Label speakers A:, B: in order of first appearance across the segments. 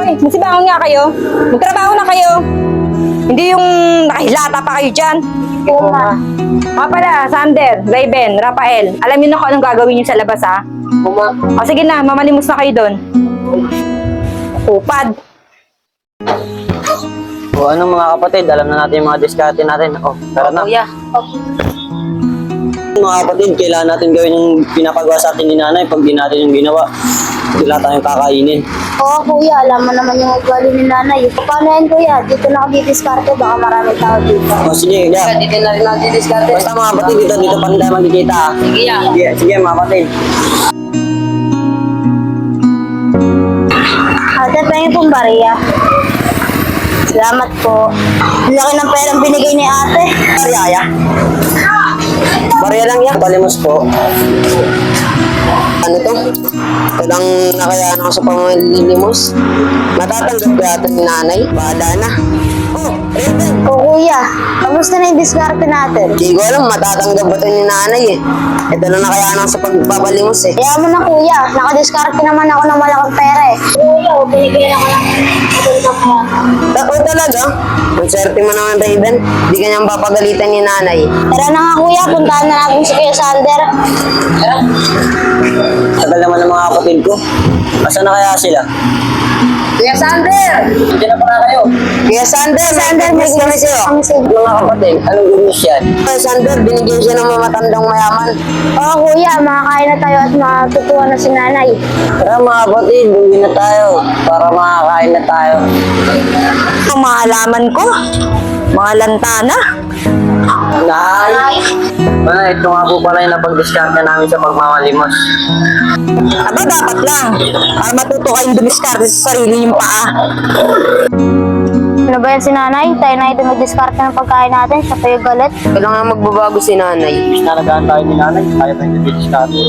A: Hoy, masibangon nga kayo. Magtrabaho na kayo. Hindi yung nakahilata pa kayo dyan.
B: Oo nga.
A: Mga pala, Sander, Raven, Rafael, alam niyo na kung anong gagawin niyo sa labas, ha? O sige na, mamalimos na kayo doon. Upad.
C: O ano mga kapatid, alam na natin yung mga diskarte natin. O, tara na.
A: Kuya.
C: Mga kapatid, kailangan natin gawin yung pinapagawa sa atin ni nanay. Pag di natin yung ginawa, wala tayong kakainin.
B: Oo kuya, alam mo naman yung ugali ni nanay. Paano yan kuya? Dito na ako didiskarte, baka maraming tao dito.
C: O sige, yeah.
A: Dito na rin natin diskarte.
C: Basta mga kapatid, dito pa rin tayo magkikita. Ha?
A: Sige, ya.
C: Sige mga kapatid.
B: Ate, pengen pong bariya. Salamat po. Ang laki ng perang binigay ni ate.
C: Bariyaya. Bariya lang yan. Palimos po. Ano to? Walang nakayaan ako sa pamalilimos. Matatanggap ba natin ni nanay? Bahala na. Oh, Raven.
B: O kuya, kamusta na yung diskarte natin?
C: Hindi ko alam, matatanggap ba ito ni nanay eh. Ito na nakayaan ako sa pagpapalimos eh.
B: Kaya mo na kuya, nakadiskarte naman ako ng malaking pera eh. Kuya, binigyan ako ng
C: O talaga? Ang swerte mo naman, Raven. Hindi ka niyang papagalitan ni nanay.
B: Tara na nga kuya, puntahan na natin si Kuya Sander.
C: Tara. Tagal naman ng mga kapatid ko. Asa na kaya sila?
A: Kuya Sander!
C: Diyan na pala kayo. Kuya Sander, may kami sa'yo.
B: Kami sa'yo.
C: Mga kapatid, anong gumis yan? Kuya Sander, binigyan siya ng mga matandang mayaman.
B: Oo kuya, makakain na tayo at matutuwa na si nanay.
C: Tara mga kapatid, buwi na tayo para makakain na tayo.
A: Ang mga halaman ko, mga lantana.
C: Nay! Ito nga po pala yung napag-discarte namin sa pagmamalimos.
A: Aba, dapat lang. Para matuto kayong dumiskarte sa sarili yung paa.
B: Ano ba yan si nanay? Tayo na ito mag-diskarte ng pagkain natin, siya pa yung galit.
C: Kailangan magbabago si nanay. Bis nalagaan tayo ni nanay, kaya tayo nag-discarte.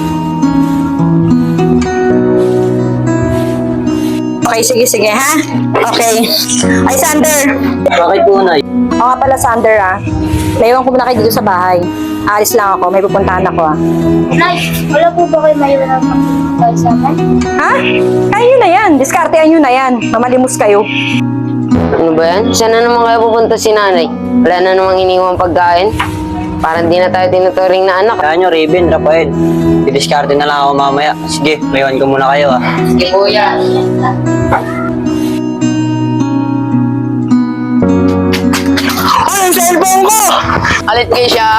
A: Okay, sige, ha? Okay. Ay, Sander.
C: Bakit po, Nay?
A: O nga pala, Sander, ha? Naiwan ko muna kayo dito sa bahay. Alis lang ako, may pupuntahan ako, ha?
B: Nay, wala po ba kayo maiwan ng pagkain sa akin?
A: Ha? Kaya yun na yan. Diskartean nyo na yan. Mamalimos kayo.
D: Ano ba yan? Saan na naman kaya pupunta si nanay? Wala na namang iniwang pagkain? Parang di na tayo tinuturing na anak.
C: Kaya nyo, Raven, Rafael. Didiscarte na lang ako mamaya. Sige, mayawan ko muna kayo, ha?
D: Sige kuya.
C: Ay, ang cellphone ko!
D: Alit kayo siya.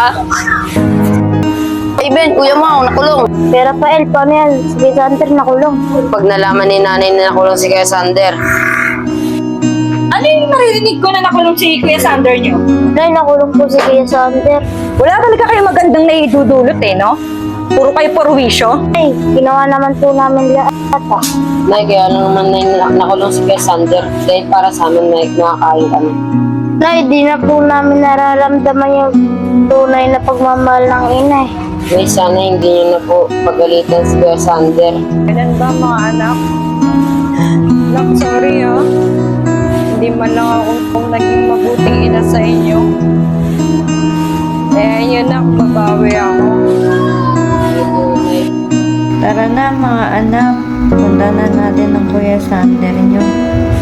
D: Hey Ben, kuya mo, nakulong.
B: Pero Rafael, paano yan? Si Kuya Sander nakulong.
D: Pag nalaman ni nanay na nakulong si Kuya Sander,
A: Ano yung naririnig ko na nakulong si Kuya Sander nyo?
B: Nay, nakulong po si Kuya Sander.
A: Wala talaga kayo magandang naidudulot, eh, no? Puro kayo porwisyo.
B: Ay, ginawa naman po namin lahat ah.
D: nay, kaya lang naman nakulong si Kuya Sander dahil para sa amin na nakakain kami.
B: Nay, di na po namin nararamdaman yung tunay na pagmamahal ng ina eh.
D: Nay, sana hindi niyo na po pagalitan si Kuya Sander.
A: Ganun ba, mga anak? Anak, sorry, ha? Hindi man lang ako kung naging mabuting ina sa inyo. Eh, yun na, babawi ako.
E: Tara na mga anak, punta na natin ang Kuya Sander nyo.